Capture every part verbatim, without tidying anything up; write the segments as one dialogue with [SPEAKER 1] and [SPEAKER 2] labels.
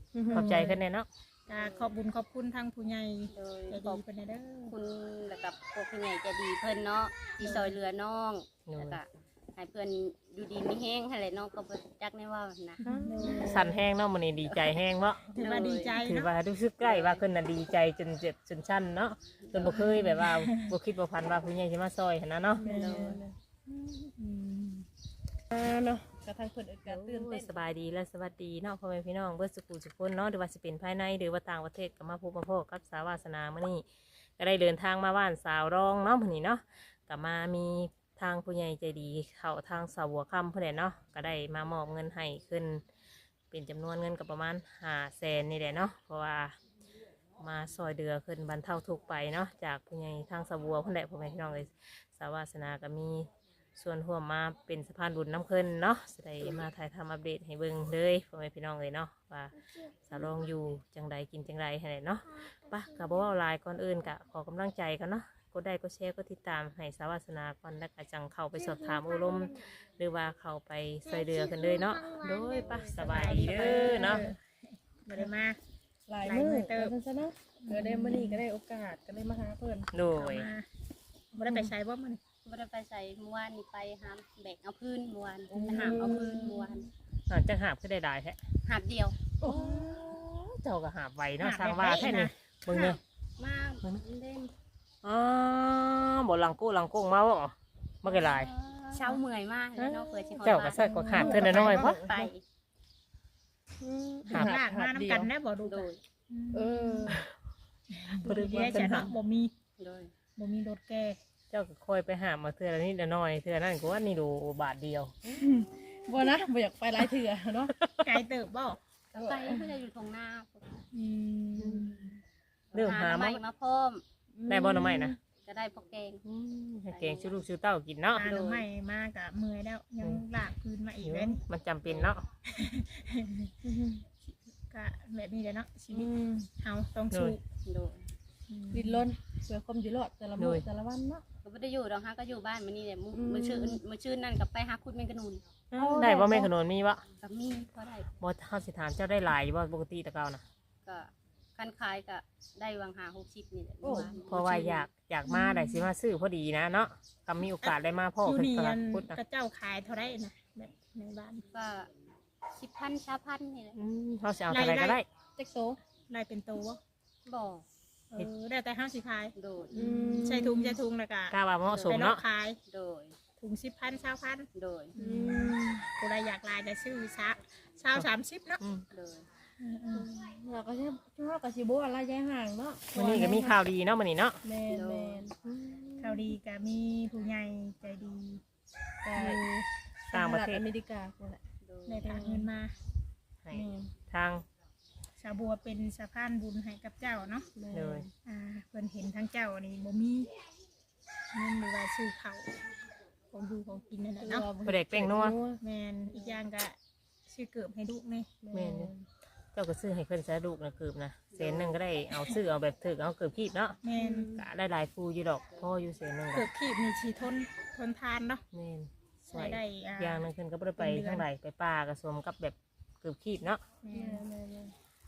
[SPEAKER 1] ขอบใจขึ้นแน่เนาะ
[SPEAKER 2] ก็ขอบบุญขอบคุณทางผู้ใหญ่
[SPEAKER 3] โดย
[SPEAKER 2] ใจ
[SPEAKER 3] ข
[SPEAKER 2] ดี
[SPEAKER 3] อบ
[SPEAKER 2] เพิ่นเด้อ
[SPEAKER 3] คุณแล้วกับพวกผู้ใหญ่ใจะดีเพิ่นเนาะที่ซอยเรือน้องแล้วก็ให้เพิ่นอยู่ดีมีแห้งให้เลยน้องก็บ่จักแน่ว่านะ
[SPEAKER 1] สั่นแห้งเนาะมื้อนี้ดีใจแห้งเนาะ
[SPEAKER 2] ถือว่าดีใจ
[SPEAKER 1] ถือ
[SPEAKER 2] เนาะ
[SPEAKER 1] ว่ารู้สึกใกล้ว่าขึ้นน่ะดีใจจนเจ็บจนชั้นเนาะจนบ่เคยแบบว่าบ่คิดบ่ฝันว่าผู้ใหญ่สิมาซอยหั่นนะเนาะ
[SPEAKER 3] โดย
[SPEAKER 2] อืม
[SPEAKER 4] อ่าเนาะกระทั่งคนอื่นก็ตื่น
[SPEAKER 1] โอ้
[SPEAKER 4] เต้
[SPEAKER 1] ย
[SPEAKER 4] น
[SPEAKER 1] สบายดีและสวัสดีเนาะพ่อแม่พี่น้องเบิดสุขุสุขคนเนาะหรือว่าสิเป็นภายในหรือว่าต่างประเทศก็มาพบมาพบกับสาวาสนามื้อนี้ก็ได้เดินทางมาบ้านสาวรองเนาะมื้อนี้เนาะก็มามีทางผู้ใหญ่ใจดีเข้าทางสาวหัวค่ำเพิ่นแหละเนาะก็ได้มามอบเงินให้ขึ้นเป็นจำนวนเงินก็ประมาณห้าแสนนี่แหละเนาะเพราะว่ามาซอยเดือขึ้นบรรเทาทุกข์ไปเนาะจากผู้ใหญ่ทางสาวหัวเพิ่นแหละพ่อแม่พี่น้องเลยสาวาสนาก็มีส่วนร่วมมาเป็นสะพานบุญน้ำขึ้นเนาะจะได้มาถ่ายทำอัปเดตให้เบิ่งเลยพ่อแม่พี่น้องเลยเนาะว่าสาวรองอยู่จังใดกินจังใดให้เนาะปะกับว่าลายก่อนอื่นกะขอกำลังใจกันเนาะกดได้ก็แชร์ก็ติดตามให้สาวาสนาก่อนแล้วก็จังเข้าไปสอบถามอารมณ์หรือว่าเข้าไปใส่เรือกันเลยเนาะโดยปะสบายดีเด้อเนาะ
[SPEAKER 2] บ่ได้มา
[SPEAKER 4] หลาย
[SPEAKER 2] หลาย
[SPEAKER 4] มื
[SPEAKER 2] มื้
[SPEAKER 4] อ
[SPEAKER 2] อเติ
[SPEAKER 4] เติ
[SPEAKER 2] บ
[SPEAKER 4] มซะเนาะเดี๋ยวได้มื้อนี้ก็ได้โอกาสก็ได้มาหาเพิ่น
[SPEAKER 1] โดย
[SPEAKER 2] มาบ่ได้ไปใช้บ่มื้อนี้
[SPEAKER 3] บ่ได้ไปใส่เมื่อวานนี่ไปหามแบกเอาพื้นเมื่อวานไปหามเอาพื้นเมื่อวาน
[SPEAKER 1] อ่าจังหาบก็ได้ได้แท้
[SPEAKER 3] หาบเดียว
[SPEAKER 1] โอ้เจ้าก็หาบไวเนาะสร้างว่าแค่นี้เบิ่งเนี่ย
[SPEAKER 3] มาเล่น
[SPEAKER 1] อ๋อบ่หลังกู้หลังกุ้งมาบ่มากี่ลาย
[SPEAKER 3] เช้าเมื่อยมากเลยเนาะเปิดสิฮอด
[SPEAKER 1] เจ้าก็ใส่กว่าขาดเท่าน้อยๆเพราะ
[SPEAKER 3] ไป
[SPEAKER 1] หาบ
[SPEAKER 2] ลากมานํกันนะบ่ดู
[SPEAKER 3] โดย
[SPEAKER 4] เออ
[SPEAKER 2] บ่ได้ว่าจะเนาะบ่มี
[SPEAKER 3] โดย
[SPEAKER 2] บ่มีรถแก่
[SPEAKER 1] เจ้าก็คอยไปหามาเทื่อละนิดละหน้อยเทื่อนั่นก็ว่านี่ดูบาทเดียว
[SPEAKER 4] บ่นะบ่อยากไปหลายเถื่อเนาะ
[SPEAKER 2] ไกลเติบบ่
[SPEAKER 3] ก็ไปเพื่อจะอยู่ตรงหน้า
[SPEAKER 2] อืม
[SPEAKER 1] เรื่องหา
[SPEAKER 3] ให
[SPEAKER 1] มา
[SPEAKER 3] ม่มาพร้อม
[SPEAKER 1] ได้บ่หน่อไม้นะ
[SPEAKER 3] ก็ได้พวกแกง
[SPEAKER 1] ให้แกงชื่อลูกชื่อเต้ากินเนาะ
[SPEAKER 2] หาหน่อไม้มาก็เมื่อยแล้วยังลากพื้นมาอีกแล้วนี่
[SPEAKER 1] มันจำเป็นเนาะ
[SPEAKER 2] ก็แบบนี้แหละเนาะชี
[SPEAKER 4] อื
[SPEAKER 2] วิต
[SPEAKER 4] ม
[SPEAKER 2] เฮาต้องสู้
[SPEAKER 3] โดย
[SPEAKER 4] ดิ้นรนเพื่อความอยู่รอดแต่ละมื้อแต่ละวันเนาะ
[SPEAKER 3] ก็ไม่ได้อยู่ดอกฮะก็อยู่บ้านมันนี่แหละมือชื่อมือชื่อนั่นกับไปหาคุดแมงกะนูน
[SPEAKER 1] ได้บ่แม่ขนมมีบ่
[SPEAKER 3] กับมีพอได้
[SPEAKER 1] บ่เฮาสิถามเจ้าได้หลายบ่ปกติแตะเก่านะ
[SPEAKER 3] ก็คันขายก็ได้วางหาหกสิบนี่แหละ
[SPEAKER 1] เพราะว่าอยากอยากมาได้สิมาซื้อพอดีนะเนาะก็มีโอกาสได้มาพ่อ
[SPEAKER 2] อยู่
[SPEAKER 1] ขึ้น
[SPEAKER 2] นี่
[SPEAKER 1] ต
[SPEAKER 2] อั
[SPEAKER 1] ลาด
[SPEAKER 2] น
[SPEAKER 1] พุทธนะ
[SPEAKER 2] กระเจ้าขายเท่าไรนะแบบในบ้าน
[SPEAKER 3] ก็สิบพันชาพันนี่แหละ
[SPEAKER 1] อืมเฮาสิเอาเท่าไหร่ก็ได้
[SPEAKER 4] เจ็กโซ
[SPEAKER 2] ไล่เป็นตัว
[SPEAKER 3] บ่อ
[SPEAKER 2] เออได้แต่ห้าสิขาย
[SPEAKER 3] โดย
[SPEAKER 4] อืม
[SPEAKER 2] ใส่ถุงใส่ถุงแล้วก็
[SPEAKER 1] กล้าว่าเหมาะสม
[SPEAKER 2] ไปเลาะ
[SPEAKER 1] เนาะ
[SPEAKER 2] ขาย
[SPEAKER 3] โดย
[SPEAKER 2] ถุงสิบพันเช้าพัน
[SPEAKER 3] โดย
[SPEAKER 4] อืม
[SPEAKER 2] กูได้อยากลายแต่ซื้อช้าเช้าสามสิบเนาะ
[SPEAKER 1] อืม
[SPEAKER 3] โดย
[SPEAKER 4] เราก็สิเราก็สิบ่อะไรยายห่างเนาะ
[SPEAKER 1] วันนี้ก็มีข่าวดีเนาะมื้อนี้เนาะ
[SPEAKER 4] แม่นแม่น
[SPEAKER 2] ข่าวดีก็มีผู้ใหญ่ใจดี
[SPEAKER 4] ก็
[SPEAKER 2] อยู่
[SPEAKER 1] ต่างประเทศ
[SPEAKER 4] อเมริกาพุ่นแหละ
[SPEAKER 3] โดย
[SPEAKER 2] ได้ฝากเงินมา
[SPEAKER 1] ให้
[SPEAKER 4] แม่น
[SPEAKER 1] ทาง
[SPEAKER 2] สาวบัวเป็นสะพานบุญให้กับเจ้าเนาะ
[SPEAKER 4] แม่น
[SPEAKER 1] เลย
[SPEAKER 2] อ่าเพิ่นเห็นทั้งเจ้านี่บ่มีเงินหรือว่าซื้อข้าวของดูของกินนั่นแหละเนาะ
[SPEAKER 1] บ่ได้แป้งนัว
[SPEAKER 2] แมนอีกอย่างก็ซื้อเกิบให้ลูกนี่
[SPEAKER 1] แม่นอยู่ เจ้าก็ซื้อให้เพิ่นซะลูกนะเกือบนะเศษหนึงก็ได้เอาซื้อเอาแบบถึกเอาเกือบคีบเนาะ
[SPEAKER 2] แมน
[SPEAKER 1] ก็ได้หลายฟูอยู่ดอกพ่ออยู่เศษหนึง
[SPEAKER 2] เกิ
[SPEAKER 1] ก็
[SPEAKER 2] บขีบนี่ชีทนทนทานเนาะ
[SPEAKER 1] แม่นส
[SPEAKER 2] ใช้
[SPEAKER 1] วย
[SPEAKER 2] ได้อ่า
[SPEAKER 1] อย่างหนึงเพิ่นก็บ่ได้ไป
[SPEAKER 2] เป็นเดือน
[SPEAKER 1] ทางใดไปป่าก็สวมกับแบบเกือบคีบเนาะ
[SPEAKER 2] แม
[SPEAKER 4] แม่
[SPEAKER 2] น
[SPEAKER 4] นแม่นแม่น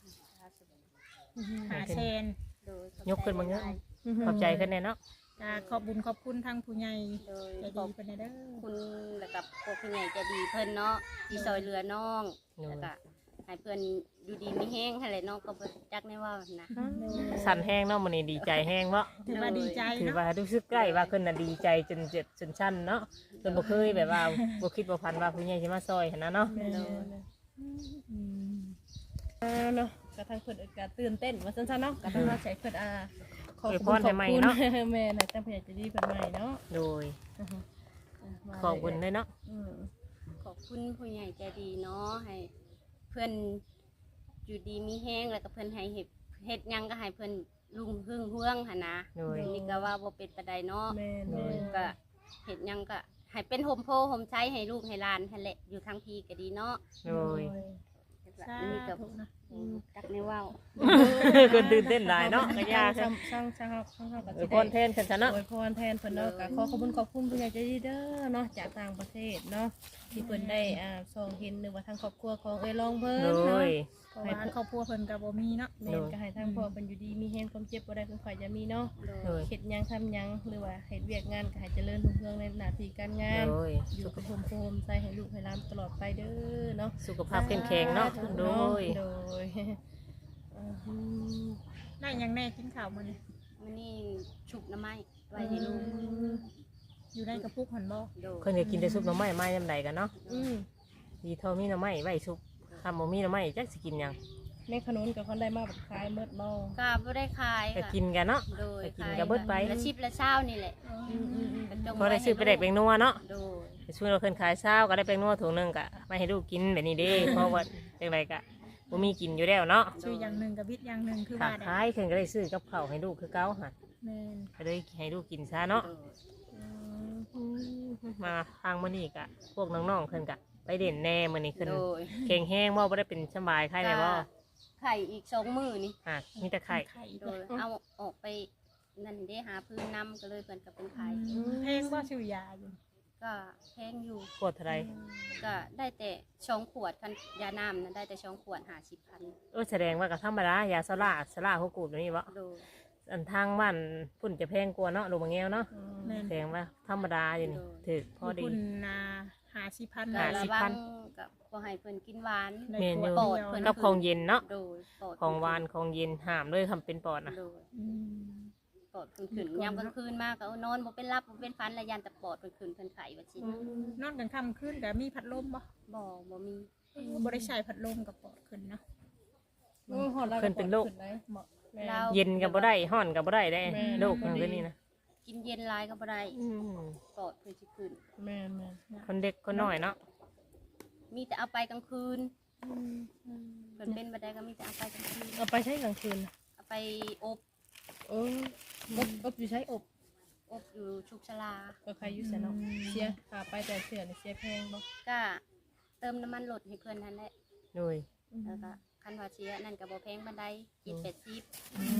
[SPEAKER 2] หาเชน
[SPEAKER 3] โดย
[SPEAKER 1] ยกขึ้นมาเงี้ยขอบใจขึ้นแน่เนาะ
[SPEAKER 2] ก็ขอบบุญขอบคุณทางผู้ใหญ่
[SPEAKER 3] โดย
[SPEAKER 2] ใจ
[SPEAKER 3] ข
[SPEAKER 2] ดี
[SPEAKER 3] อบ
[SPEAKER 2] เพิ่นเด้อ
[SPEAKER 3] คุณแล้วกับพวกผู้ใหญ่ใจะดีเพิ่นเนาะที่ซอยเรือน้องแล้วก็ให้เพิ่นอยู่ดีมีแห้งให้เลยน้องก็บ่จักแน่ว่านะ
[SPEAKER 1] สั่นแห้งเนาะมื้อนี้ดีใจแห้งเนาะ
[SPEAKER 2] ถือว่าดีใจ
[SPEAKER 1] ถือ
[SPEAKER 2] เนาะ
[SPEAKER 1] ว่ารู้สึกใกล้ว่าขึ้นน่ะดีใจจนเจ็บจนชั้นเนาะจนบ่เคยแบบว่าบ่คิดบ่ฝันว่าผู้ใหญ่สิมาซอยหั่นนะเนาะ
[SPEAKER 4] แม่นแม่นแม่น
[SPEAKER 2] อืม
[SPEAKER 4] อ่าเนาะกระทั่งคนอื่นก็ตื่นเต้นว่าซั่นๆเนาะกระทั่งเราใช้เพิ่นอ่าขอบ
[SPEAKER 1] อวย
[SPEAKER 4] คุณ
[SPEAKER 1] พรให้ใหม่เนาะ
[SPEAKER 4] แม่น่ะจังเพิ่นอยากจะดีเพิ่นใหม่เนาะ
[SPEAKER 1] โดย
[SPEAKER 4] อ่าฮะอ่ะมา
[SPEAKER 1] ขอบคุณด้วยเนาะ
[SPEAKER 4] อืม
[SPEAKER 3] ขอบคุณผู้ใหญ่ใจดีเนาะให้เพื่อนอยู่ดีมีแห้งแล้วก็เพื่อนให้เห็ดเห็ดหยังก็ให้เพื่อนลุงหึ่งเฮืองหนนะ
[SPEAKER 1] โดย
[SPEAKER 3] นี่ก็ว่าบ่เป็นปานใดเนาะ
[SPEAKER 4] แม่นแม่น
[SPEAKER 3] ก็เห็ดหยังก็ให้เป็นโฮมโพโฮมใช้ให้ลูกให้หลานให้แหละอยู่ทางพีก็ดีเนาะ
[SPEAKER 1] โดย
[SPEAKER 2] สา
[SPEAKER 3] นี่ก็
[SPEAKER 2] ธุนะ
[SPEAKER 3] จักในว่าว
[SPEAKER 1] คนตื่นเต้นหลายเนาะก็ยาก
[SPEAKER 4] ช่างช่างช่างเฮาช่างเฮาก็
[SPEAKER 1] อว
[SPEAKER 4] สิ
[SPEAKER 1] ยพ
[SPEAKER 4] ได้
[SPEAKER 1] รแทนกันซะเนาะ
[SPEAKER 4] อวยพรแทนเพิ่นเนาะก็ขอขอบคุณขอบคุณผู้ใหญ่ใจดีเด้อเนาะจากต่างประเทศเนาะที่เพิ่นได้อ่าส่งเห็นหรือว่าทางครอบครัวของเอ้ยลองเพิ่น
[SPEAKER 1] โด
[SPEAKER 4] เนาะ
[SPEAKER 1] ย
[SPEAKER 2] เพราะว่าครอบครัวเพิ่นก็บ่มีเนาะ
[SPEAKER 4] แม่นก็ให้ทางพ่อเป็นอยู่ดีมีแฮงความเจ็บบ่ได้ความข่อยจะมีเนาะ
[SPEAKER 3] โด
[SPEAKER 1] โด
[SPEAKER 3] ย
[SPEAKER 1] ย
[SPEAKER 4] เฮ็ดหยังทำหยังหรือว่าเฮ็ดเวียกงานก็ให้เจริญรุ่งเรืองในหน้าที่การงาน
[SPEAKER 1] โดย
[SPEAKER 4] อยู่กับผมโฮมใส่ให้ลูกให้หลานตลอดไปเด้อเนาะ
[SPEAKER 1] สุขภาพเข้มแข็งเนาะโดย
[SPEAKER 4] โดยอืม
[SPEAKER 2] ได้หยังแน่กินข้าวมื้อนี้
[SPEAKER 3] มันนี่ฉุกน้ำไม้ไว้ให้ลูก
[SPEAKER 2] อยู่ในกระปุกหั่นบ่
[SPEAKER 3] โดย
[SPEAKER 1] เพิ่นก็กินแต่ซุปหน่อไม้ไม้ยำใดกันเนาะ
[SPEAKER 4] อืม
[SPEAKER 1] ดีเท่ามีหน่อไม้ไว้ซุปคำบ่มีหน่อไม้จักสิกินหยัง
[SPEAKER 4] แม่ขนุนกับคนได้มาแบบคลายเมิดบ่
[SPEAKER 3] ก็บ่ได้ขาย
[SPEAKER 1] ก็
[SPEAKER 3] ค่ะ
[SPEAKER 1] กินกันเนาะ
[SPEAKER 3] โดย
[SPEAKER 1] ไปกินกับเบิดไป
[SPEAKER 3] ละชิบละเช้านี่แหละ
[SPEAKER 4] อืมอืมอืม
[SPEAKER 3] ก็จง
[SPEAKER 1] พอได้ซื้อไปแดกแปลงนัวเนาะ
[SPEAKER 3] โดย
[SPEAKER 1] ไปช่วยเราเพิ่นขายเช้าก็ได้แปลงนัวถุงหนึงก็ไม่ให้ลูกกินแบบนี้เด้ เพราะว่าจังไดก็บ่มีกินอยู่แล้วเนาะ
[SPEAKER 2] ชื่ออย่างหนึงกับวิทย์อย่างหนึงคือ
[SPEAKER 1] ถ้า
[SPEAKER 2] ว่าได้
[SPEAKER 1] ขายเพิ่นก็ได้ซื้อกับข้าวให้ลูกคือเก่าหั่น
[SPEAKER 2] แม่น
[SPEAKER 1] ก็เลยให้ลูกกินซะเนาะ
[SPEAKER 3] โดย
[SPEAKER 1] มาทางมื้อนี้ก็พวกน้องๆเพิ่นก็ไปเด่นแน่มื้อนี้ขึ้น
[SPEAKER 3] โดย
[SPEAKER 1] เก่งแห้งบ่บ่ได้เป็นสบายไข้แน่บ่
[SPEAKER 3] ไข่อีกสองมือนี่
[SPEAKER 1] อ่ะมีแต่ไข่
[SPEAKER 2] ไข่
[SPEAKER 3] โดยเอาออกไปนั่นได้หาพื้นน้ำก็เลยเพิ่นก็เป็นไข่
[SPEAKER 2] เพลงบ่ชื่อยาอยู่
[SPEAKER 3] ก็แพงอยู่
[SPEAKER 1] ปวดเท่าไหร่
[SPEAKER 3] ก็ได้แต่ช่องขวดคันยาน้ำนั้นได้แต่ช่องขวดหาสิบพัน
[SPEAKER 1] เออแสดงว่าก็ธรรมดายาซาร่าซาร่าเขากูดแบบนี้บ่
[SPEAKER 3] โดย
[SPEAKER 1] อันทางบ้านพุ่นจะแพงกว่าเนาะลูกมะแง้วเนาะ
[SPEAKER 2] แม่น
[SPEAKER 1] แสดงว่าธรรมดาอยู่นี่ถือพอดี
[SPEAKER 2] คุณนาหาสิพัน
[SPEAKER 3] ก็
[SPEAKER 1] หา
[SPEAKER 3] ระ
[SPEAKER 1] สิบ
[SPEAKER 3] วั
[SPEAKER 1] พั
[SPEAKER 3] ง
[SPEAKER 1] น
[SPEAKER 3] กับบ่ให้เพิ่นกินหวาน
[SPEAKER 1] เมนอยู่
[SPEAKER 3] ปอดเพิ่น
[SPEAKER 1] กับของเย็นเนาะ
[SPEAKER 3] โดยปอด
[SPEAKER 1] ของหวานของเย็นห้ามเลยทำเป็นปอดนะ
[SPEAKER 3] โดย
[SPEAKER 2] อืม
[SPEAKER 3] ปอดเพิ่นขึ้นยามกลางคืนมากก็เอานอนบ่เป็นรับบ่เป็นฟันระยันแต่ปอดเพิ่นขึ้นเพิ่นไข้ว่าสิ
[SPEAKER 2] นอนกลางค่ำคืนก็มีพัดลมบ่
[SPEAKER 3] บ่บ่มี
[SPEAKER 2] บ่ได้ใช้พัดลมกับปอดขึ้นเนาะ
[SPEAKER 4] โอ้ยหอดแล้ว
[SPEAKER 1] เพิ่นเป็นโรค
[SPEAKER 4] ขึ้ไหมเหมาะแม่
[SPEAKER 3] เรา
[SPEAKER 1] เย็นกับบ่ได้ห้อนกับบ่ได้ได้
[SPEAKER 4] แม่
[SPEAKER 1] โรคอย่างนี้นะ
[SPEAKER 3] กินเย็นหลายก็บ่ได้
[SPEAKER 1] อืม
[SPEAKER 3] ปอดเพิ่นสิขึ้น
[SPEAKER 4] แม่แม่
[SPEAKER 1] คนเด็กคนน้อยเนาะ
[SPEAKER 3] มีแต่เอาไปกลางคืนเพิ่นเป็นบ่ได้ก็มีแต่เอาไปกลางคืน
[SPEAKER 4] เอาไปใช้กลางคืนน่ะ
[SPEAKER 3] เอาไปอบ
[SPEAKER 4] โอ้อบอบอยู่ใช้อบ
[SPEAKER 3] อบอยู่ชุกชลา
[SPEAKER 4] ก็ใครอยู่เสียเนาะเสียขาไปแต่เสือนี่เสียแพงบ่
[SPEAKER 3] ก็เติมน้ำมันรถให้เพิ่นนั่นแหละ
[SPEAKER 1] โดย
[SPEAKER 3] แล้วก็คันว่าเสียนั่นก็บ่แพงปานใดกินแปดสิบ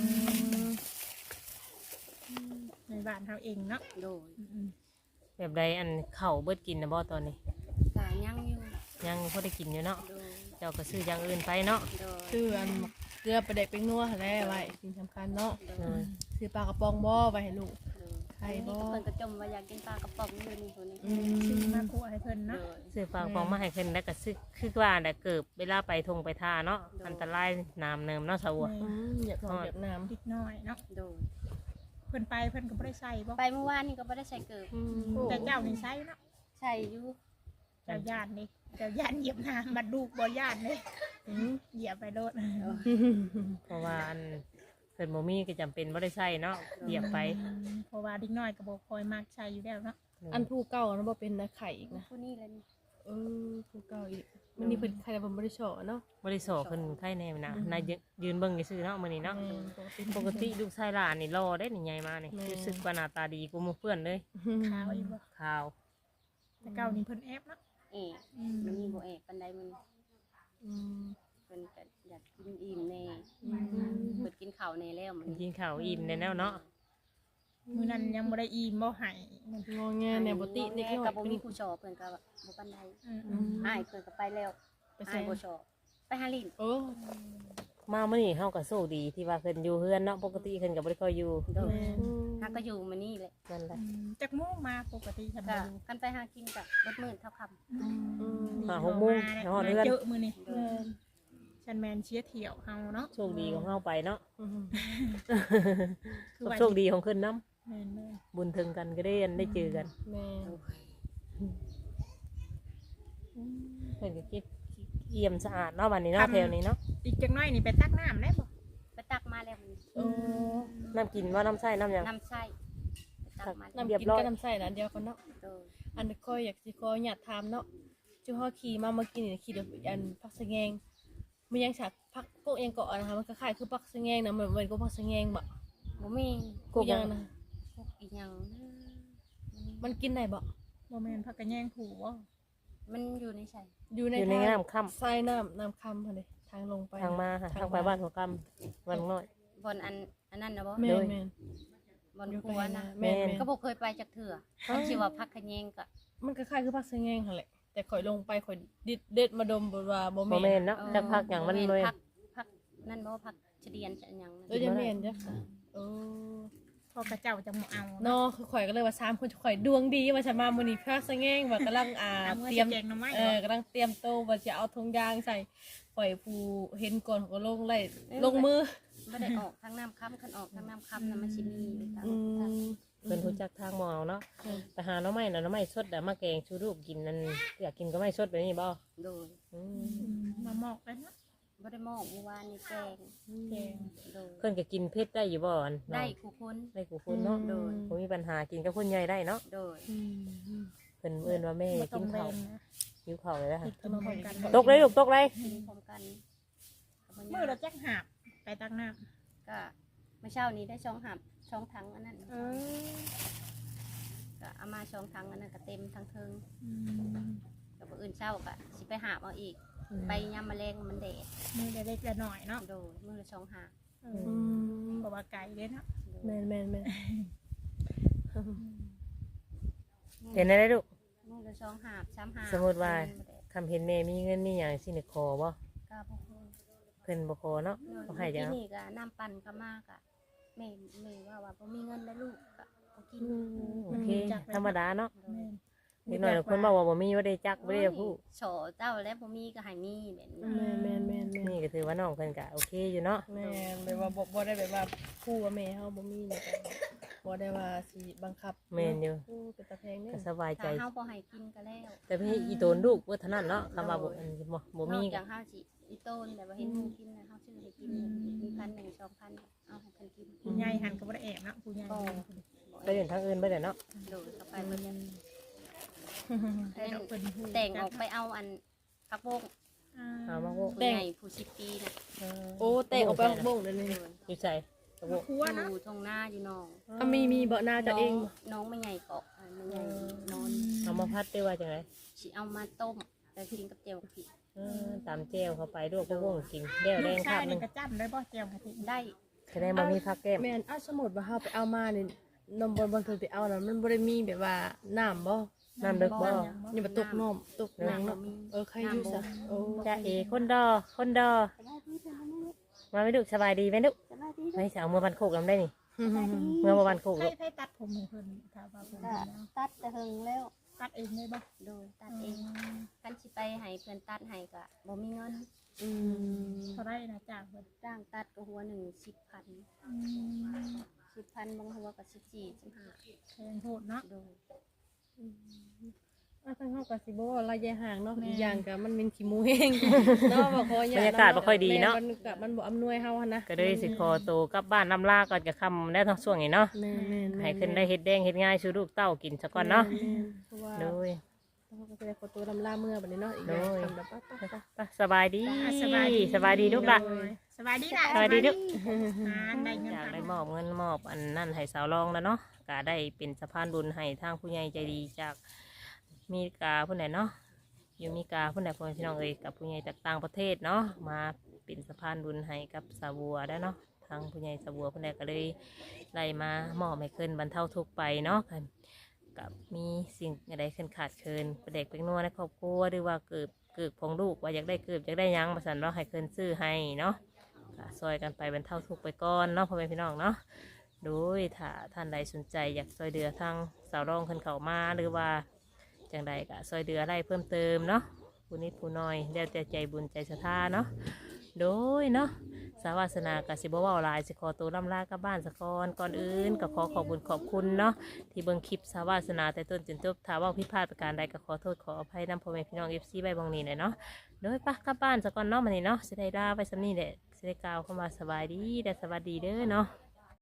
[SPEAKER 2] ในบ้านเฮาเองเนาะ
[SPEAKER 3] โดย
[SPEAKER 2] อืม
[SPEAKER 1] แบบใดอันเข่าเบิดกินนะบ่ตอนนี้
[SPEAKER 3] ก็ยังอยู่
[SPEAKER 1] ยังพอได้กินอยู่เนาะ
[SPEAKER 3] โดย
[SPEAKER 1] เจ้าก็ซื้ออย่างอื่นไปเนาะ
[SPEAKER 3] โดย
[SPEAKER 4] ซื้ออันเกลือไปเด็กเป็นนัวหั่นแหละไว้สิ่งสำคัญเนาะ
[SPEAKER 3] โด
[SPEAKER 1] เอย อ
[SPEAKER 4] ซื้อปลากระป๋องบ่ไว้ให้ลูก
[SPEAKER 3] โดย
[SPEAKER 4] ไข่บ่
[SPEAKER 3] เพิ่นก็จมว่าอยากกินปลากระป๋องอยู่นี่คนนี้
[SPEAKER 4] อื
[SPEAKER 2] ซื้อ
[SPEAKER 4] ม
[SPEAKER 2] มาคั่วให้เพิ่น
[SPEAKER 3] โด
[SPEAKER 2] เนาะ
[SPEAKER 3] ย
[SPEAKER 1] ซื้อฟางฟองมาให้ขึ้นแล้วก็ซื้อคือว่าแต่เกิดเวลาไปทงไปท่าเนาะอันตรายน้ำเนิมเนาะสาวะ
[SPEAKER 4] อืมเหยียบหนอนเหยียบน้ำ
[SPEAKER 2] นิดหน่อยเนาะ
[SPEAKER 3] โดย
[SPEAKER 2] เพิ่นไปเพิ่นก็บ่ได้ใส่บ่
[SPEAKER 3] ไปเมื่อวานนี่ก็บ่ได้ใส่เกิบ
[SPEAKER 2] แต่เจ้านี่ใส่เนาะ
[SPEAKER 3] ใส่อยู่
[SPEAKER 2] เจ้าย่านนี่เจ้าย่านเหยียบน้ำบัดลูกบ่ย่านเลย
[SPEAKER 4] อืม
[SPEAKER 2] เหยียบไปโลด
[SPEAKER 1] เพราะว่าอันเพิ่นบ่มีก็จำเป็นบ่ได้ใช้เนาะเหยียบไป
[SPEAKER 2] เพราะว่าเด็กน้อยก็บ่คอยมักใช้อยู่แล้วเนาะ
[SPEAKER 4] อันผู้เก่านะบ่เป็นนะไข่อีกนะ
[SPEAKER 3] ผู้นี้เลยนี่
[SPEAKER 4] เออผู้เก่าอีกมันนี่เพิ่นไข่แต่ผมบ่ได้เฉาะเนาะ
[SPEAKER 1] บ่ได้สอเพิ่นไข่แน่นะนายยืนเบิ่งซื่อๆเนาะมื้อนี้เนาะ
[SPEAKER 4] แม่ปกติ
[SPEAKER 1] ปกติลูกชายหลานนี่รอได้นี่ใหญ่มานี่
[SPEAKER 4] แม่
[SPEAKER 1] รู้สึกว่าหน้าตาดีกว่าหมู่เพื่อนเลย
[SPEAKER 2] ขาวอีกบ่
[SPEAKER 1] ขาว
[SPEAKER 2] แต่เก่านี่เพิ่นแอบเนาะ
[SPEAKER 3] เอก
[SPEAKER 2] อืม
[SPEAKER 3] มันมีบ่เอกปานใดมัน
[SPEAKER 4] อืม
[SPEAKER 3] เพิ่นก็อยากกินอิ่มแน่
[SPEAKER 4] อืม
[SPEAKER 3] เพิ่นกินข้าวแน่แล้วมัน
[SPEAKER 1] กินข้าวอิ่มแน่ๆเนาะ
[SPEAKER 2] มื้อนั้นยังบ่ได้อิ่มบ่ให้มัน
[SPEAKER 4] งอแงเนี่ยบ่ติเด็กน้อย
[SPEAKER 3] ก็บ่
[SPEAKER 4] เป็น
[SPEAKER 3] มีผู้ชอบเพิ่นก็บ่ปานใด
[SPEAKER 2] อืม
[SPEAKER 4] อืม
[SPEAKER 3] อ้ายเพิ่นก็ไปแล้ว
[SPEAKER 4] ไป
[SPEAKER 3] อ้า
[SPEAKER 4] ใส่
[SPEAKER 3] ยบ่ชอบไปหาลิ้น
[SPEAKER 4] โอ้
[SPEAKER 1] มามื้อนี้เฮาก็โชคดีที่ว่าเพิ่นอยู่เฮือนเนาะปกติเพิ่นก็บ่ได้ค่อยอยู่
[SPEAKER 3] โดย
[SPEAKER 4] แม่
[SPEAKER 3] หาก็อยู่มานี่แหละ
[SPEAKER 1] นั่นแหละ
[SPEAKER 2] จักโมงมาปกติทำ
[SPEAKER 3] ก็
[SPEAKER 2] บ่อยู่
[SPEAKER 3] กันไปหากินก็รถมื้อเท่าค่ำ
[SPEAKER 4] อืม
[SPEAKER 1] หาหกโมงฮอดเฮือน
[SPEAKER 2] เยอะมื้อนี้
[SPEAKER 3] โดย
[SPEAKER 2] ฉันแมนเชียร์เที่ยวเฮาเนาะ
[SPEAKER 1] โชคดีของเฮาไปเนาะ
[SPEAKER 4] อืม
[SPEAKER 2] คือว่า
[SPEAKER 1] โชคดีของเพิ่นนํ
[SPEAKER 2] แม่น
[SPEAKER 1] บุญถึงกันก็ได้ได้เจอกัน
[SPEAKER 4] แม่
[SPEAKER 1] เพิ่นก็คิดเอี่ยมสะอาดเนาะวันนี้เนาะแถวนี้เนาะ
[SPEAKER 2] ๆอีกจักหน่อยนี่ไปตักน้ำได้บ่
[SPEAKER 3] ไปตักมาแล้วมัน
[SPEAKER 4] โอ้
[SPEAKER 1] น้ำกินว่าน้ำใส่น้ำหยัง
[SPEAKER 3] น้ำใส่ไปตักมาแล้ว
[SPEAKER 4] น้ำ
[SPEAKER 1] เรียบ
[SPEAKER 4] กิน
[SPEAKER 1] ร้อย
[SPEAKER 4] ก็น้ำใส่นะอันเดียวกันเนาะ
[SPEAKER 3] โดย
[SPEAKER 4] อันนี้ก็อยากสิขออยากถามเนาะจุฮอขี่มาเมื่อกี้นี่ขี่เดี๋ยวอันพักสะแงงมันยังฉากพักพวกเองเกาะนะคะมันก็คล้ายคือพักสะแงงนะเหมือนเหมือนกับพักสะแงงบ่
[SPEAKER 3] บ่มี
[SPEAKER 4] กูยังนะ
[SPEAKER 3] พวกอีหยังนะ
[SPEAKER 4] มันกินได้บ่
[SPEAKER 2] บ่แม่นพักกันแย่งผูบ่
[SPEAKER 3] มันอยู่ในใส่
[SPEAKER 4] อยู่ใน
[SPEAKER 1] อยู่ใน
[SPEAKER 4] ทาง
[SPEAKER 1] น้ำค่
[SPEAKER 4] ทรายน้ำน้ำคำพอดีทางลงไป
[SPEAKER 1] ำทางมาค่ะทางไปบ้านหัวคำวันน้อย
[SPEAKER 3] บอนอันอันนั้นนะบ่
[SPEAKER 4] แม่
[SPEAKER 1] โด
[SPEAKER 4] น
[SPEAKER 1] ย
[SPEAKER 4] แม่น
[SPEAKER 3] บอน
[SPEAKER 4] อยู่
[SPEAKER 3] ค
[SPEAKER 4] ไป
[SPEAKER 3] รัวนะ
[SPEAKER 4] แม่น
[SPEAKER 1] แม่น
[SPEAKER 4] แม่น
[SPEAKER 3] ก็บ่เคยไปจากเถื่อคันสิว่าพักขะแยงก็
[SPEAKER 4] มันก็คล้ายคือพักสะแงงหั่นแหละแต่แต่ข่อยลงไปข่อยดิดเด็ดมาดมบ่ว่าบ่
[SPEAKER 1] บ่
[SPEAKER 4] แม่
[SPEAKER 1] แม่
[SPEAKER 4] น
[SPEAKER 1] นเนาะจักพักหยังมันเลย
[SPEAKER 3] พักพักนั่นบ่พักเฉดียนจะหยัง
[SPEAKER 4] เออจะแม่นจ้ะโอ้
[SPEAKER 2] พอกระเจ้าจะบ่เอา
[SPEAKER 4] เนาะคือข่อยก็เลยว่าสามคนข่อยดวงดีว่าฉันมามื้อนี้พักสะแงงว่ากำลังอ่า
[SPEAKER 2] เอาเมื่อ
[SPEAKER 4] เตรียม
[SPEAKER 2] แกงหน่อไม้
[SPEAKER 4] เออกำลังเตรียมโตว่าจะเอาธงยางใส่ข่อยผู้เห็นก่อนเขาก็ลงไล่ลงมือ
[SPEAKER 3] บ่ได้ออกทางน้ำค่ำคันออกทางน้ำค่ำน่ะมันสิมีอยู่ทาง
[SPEAKER 4] อืม
[SPEAKER 1] เพิ่นรู้จักทางหมอเนาะไปหาหน่อไม้น่ะหน่อไม้สดน่ะมาแกงชูรูปกินนั่นอยากกินก็ไม่สดแบบนี้บ่
[SPEAKER 3] โดย
[SPEAKER 1] อืม
[SPEAKER 2] อืมมาหมอกเลยเนาะ
[SPEAKER 3] บ่ได้มองเมื่อวานนี่แกง
[SPEAKER 2] แกง
[SPEAKER 3] โดย
[SPEAKER 1] เพิ่นก็กินเผ็ดได้อยู่บ่อัน
[SPEAKER 3] ได้
[SPEAKER 1] เนาะ
[SPEAKER 3] คู่คน
[SPEAKER 1] ได้กูคุณเนาะ
[SPEAKER 3] โดย
[SPEAKER 1] บ่มีปัญหากินกับคนใหญ่ได้เนาะ
[SPEAKER 3] โดย
[SPEAKER 4] อืม
[SPEAKER 1] เพิ่นเอิ้นว่าแม่
[SPEAKER 2] บ่ต้
[SPEAKER 1] กิ
[SPEAKER 2] อง
[SPEAKER 1] น
[SPEAKER 2] แร
[SPEAKER 1] ข้าว
[SPEAKER 2] งนะ
[SPEAKER 1] หิวข้าวเลยนะ
[SPEAKER 2] กินพร้อมกัน
[SPEAKER 1] ตกเลยลูกตกเลย
[SPEAKER 3] กินพร้อมกัน
[SPEAKER 2] มื้อเราจักหาบไปตักน้ำ
[SPEAKER 3] ก็เมื่อเช้านี้ได้ช่องหับช่องถังอันนั้น
[SPEAKER 2] เออ
[SPEAKER 3] ก็เอามาช่องถังอันนั้นก็เต็มทั้งเทิง
[SPEAKER 2] อืม
[SPEAKER 3] กับอื่นเช้าก็สิไปหาบเอาอีก ไปยามแมลงมันแดด
[SPEAKER 2] มื้อเล็กๆน้อยๆเนาะ
[SPEAKER 3] โดยมือละช่องหาบ
[SPEAKER 2] เอ
[SPEAKER 4] อื
[SPEAKER 2] อ
[SPEAKER 4] ม
[SPEAKER 2] เพราะว่าไก่เด้เนาะ
[SPEAKER 3] โดย
[SPEAKER 4] แม่นแม่นแม่น
[SPEAKER 1] เป็นได้ลูก
[SPEAKER 3] มือละช่องหาบสามหาบ
[SPEAKER 1] สมมุติว่า
[SPEAKER 3] มันแดด
[SPEAKER 1] คำเห็นแม่มีเงินมีหยังสิได้ขอบ่
[SPEAKER 3] ก็บ่ฮู้
[SPEAKER 1] เพิ่นบ่ขอเนาะ
[SPEAKER 3] โดย
[SPEAKER 1] บ่ให้จั
[SPEAKER 3] ที่
[SPEAKER 1] ง
[SPEAKER 3] นี่ก็น้ำปั่นก็มากอะแม่แม่ว่าว่าบ่มีเงินแล้วลูกก็บ่กิน
[SPEAKER 1] โอเคธรรมดาเนาะ
[SPEAKER 3] โดย
[SPEAKER 1] เด็กน้อยบางคนบอกว่าบ่มีบ่ได้จักบ่ได้พูด
[SPEAKER 3] โฉเจ้าแล้วบ่มีก็ให้มีแบบนี้
[SPEAKER 4] แม่นแม่นแม่นแม่น
[SPEAKER 1] นี่ก็ถือว่าน้องเพิ่นก็โอเคอยู่เนาะ
[SPEAKER 4] แม่นแบบว่าบ่บ่ได้แบบว่าคู่ว่าแม่เฮาบ่มีเนี่ยบ่ได้ว่าสิบังคับ
[SPEAKER 1] แม่นอยู่
[SPEAKER 4] โอ้เป็นตาแพงเนี่ย
[SPEAKER 1] ก็สบายใจ
[SPEAKER 3] ถ้าเฮาบ่ให้กินก็แล้ว
[SPEAKER 1] แต่พี่อีโตนลูกว่าเท่านั้นเนาะคำว่าบ่อันบ่บ่มี
[SPEAKER 3] นอก
[SPEAKER 1] ก็
[SPEAKER 3] จากเฮาสิอีโต้นแบบว่าเห็นหมูกินนะเฮาซื้อให้กินมีพันหนึ่งสองพันเอาให้เพิ่นกิน
[SPEAKER 2] ผู้ใหญ่หันก็บ่ได้แอบเนาะผู้ใหญ่
[SPEAKER 1] ไปเดินทางอื่นไปได้เนาะ
[SPEAKER 3] โดดเข้าไปเพิ่นยัง
[SPEAKER 2] ให้ดอกเพิ่นฮู้
[SPEAKER 3] แต่งออกไปเอาอันพักโบก
[SPEAKER 2] อ่า
[SPEAKER 1] เอามาโว
[SPEAKER 3] ผู้ใหญ่ผู้สิบปีน่ะ
[SPEAKER 4] โอ้แตกออกไปข้างบงเลยนี่
[SPEAKER 3] โดน
[SPEAKER 1] อยู่ใส่ตะโว
[SPEAKER 2] ครัว
[SPEAKER 3] อ
[SPEAKER 2] เนาะ
[SPEAKER 3] ยู่ตรงหน้าอยู่น้อง
[SPEAKER 4] อ่ะมีมีเบาะหน้าจะเอง
[SPEAKER 3] น้องไม่ใหญ่เกาะอ่ะไม่ใหญ่นอน
[SPEAKER 1] เอามาพัดได้ว่าจังได๋
[SPEAKER 3] สิเอามาต้มแล้วกินกับเจียวผิด
[SPEAKER 1] เออตามแจ้วเข้าไปด้วยพวกวงกินแก้วแด
[SPEAKER 2] ลู
[SPEAKER 1] ง
[SPEAKER 2] ก
[SPEAKER 1] ค
[SPEAKER 2] ชา
[SPEAKER 1] รั
[SPEAKER 2] ย
[SPEAKER 1] บหนึ
[SPEAKER 2] นี่
[SPEAKER 1] ง
[SPEAKER 2] ก็จำได้บ่แจ่วกะทิ
[SPEAKER 3] ได้
[SPEAKER 1] แสดงว่ามีผักแก้ม
[SPEAKER 4] แม่นอ่ะสมมุติว่าเฮาไปเอามานี่นมบนบนเพิ่นไปเอาน่ะมันบ่ได้มีแบบว่าน้ำบ่
[SPEAKER 1] น้ำเด็กบ่
[SPEAKER 4] นี่บ่ตกน้ำตกหยังเนาะเออใครอยู่ซะโอ้
[SPEAKER 1] จ้าเอคนดอคนดอมาไม่ดุสบายดีไหมดุไม่สาวเมื่อวันโคกลำได้นี่เมื่อวันโคก
[SPEAKER 2] ให้
[SPEAKER 1] ลูก
[SPEAKER 2] ให้ตัดผมให้เพิ่นถ้าว่าเพิ่น
[SPEAKER 3] ก็
[SPEAKER 2] เฮ็ดแล้ว
[SPEAKER 3] ตัดแต่หึงแล้ว
[SPEAKER 2] ตัดเองได้บ่
[SPEAKER 3] โดยตัดเองกันสิไปให้เพื่อนตัดให้ก็บ่มีเงิน
[SPEAKER 4] อืม
[SPEAKER 2] เท่าไรนะจ้างเพิ่น
[SPEAKER 3] จ้างตัดก็หัวหนึ่งสิบพัน
[SPEAKER 2] อืม
[SPEAKER 3] สิบพันบางหัวก็สิบสี่สิบห้า
[SPEAKER 2] แพงโหดเนาะ
[SPEAKER 3] โดย
[SPEAKER 4] อ่ะทางเฮาก็สิบ่ว่าระยะห่างเนาะอีกอย่างก็มันเป็นขี้หมูแห้งเนาะบ่ขออย่
[SPEAKER 1] บรรยากาศบ่ค่อยดีเนาะ
[SPEAKER 4] บรรยากาศมันบ่อำนวยเฮาหั่นนะ
[SPEAKER 1] ก็เลยสิขอตัวกลับบ้านน้ำลาก่อนจะคำแล้วทั้งช่วงนี้เนาะ
[SPEAKER 4] แม่นๆๆ
[SPEAKER 1] ให้ขึ้นได้เฮ็ดแดงเฮ็ดง่ายชูลูกเต้ากินซะก่อนเนาะ
[SPEAKER 4] แม่นๆเพราะว่า
[SPEAKER 1] โดย
[SPEAKER 4] เราก็จะได้ขอตัวลำลาเมื่อบัดนี้เนาะอีกอย่าง
[SPEAKER 1] โดย
[SPEAKER 4] ทำแบบปั๊บปั๊บปั๊บ
[SPEAKER 1] ไปสบายดี
[SPEAKER 2] อ่ะสบายดี
[SPEAKER 1] สบายดีลูกล่ะ
[SPEAKER 2] โดยสบายดีล่ะ
[SPEAKER 1] สบายดีลูก
[SPEAKER 2] อ่าได้เงิน
[SPEAKER 1] อยาก
[SPEAKER 2] ทาง
[SPEAKER 1] ได้มอบเงินมอบอันนั่นให้สาวรองแล้วเนาะก็ได้เป็นสะพานบุญให้ทางผู้ใหญ่ใจดีจากมีกาผู้ไหนเนาะอยู่มีกาผู้ไหนพ่อพี่น้องเอ่ยกับผู้ใหญ่จากต่างประเทศเนาะมาเป็นสะพานบุญให้กับสาวบัวได้เนาะทางผู้ใหญ่สาวบัวผู้ใดก็เลยไล่มามอบให้เคินบรรเทาทุกข์ไปเนาะกันกับมีสิ่งอะไรขึ้นขาดเคินประเด็กเป็นนัวในครอบครัวหรือว่าเกิดเกิดของลูกว่าอยากได้เกิดอยากได้หยังมาสั่นเราะให้เคินซื้อให้เนาะก็ซอยกันไปบรรเทาทุกข์ไปก่อนเนาะพ่อแม่พี่น้องเนาะ โดยถ้าท่านใดสนใจอยากซอยเดือทางสาวรองขึ้นเขามาหรือว่าจังใดก็ซอยเดืออะไรเพิ่มเติมเนาะผู้นิดผู้น้อยแล้วแต่ใจบุญใจศรัทธาเนาะโดยเนาะสาวาสนากับสิบว่าหลายสิขอตัวล่ำลากลับบ้านสะกอนก่อนอื่นก็ขอขอบบุญขอบคุณเนาะที่เบิ่งคลิปสาวาสนาแต่ต้นจนจบถ้าเว่าผิดพลาดประการใดก็ขอโทษขออภัยนำพ่อแม่พี่น้องเอฟซีใบบางนี้เลยเนาะโดยปะกลับบ้านสะกอนเนาะมันนี่เนาะสิได้ลาไปสำนี่แหละสิได้กล่าวเข้ามาสบายดีและสวัสดีเด้อเนาะ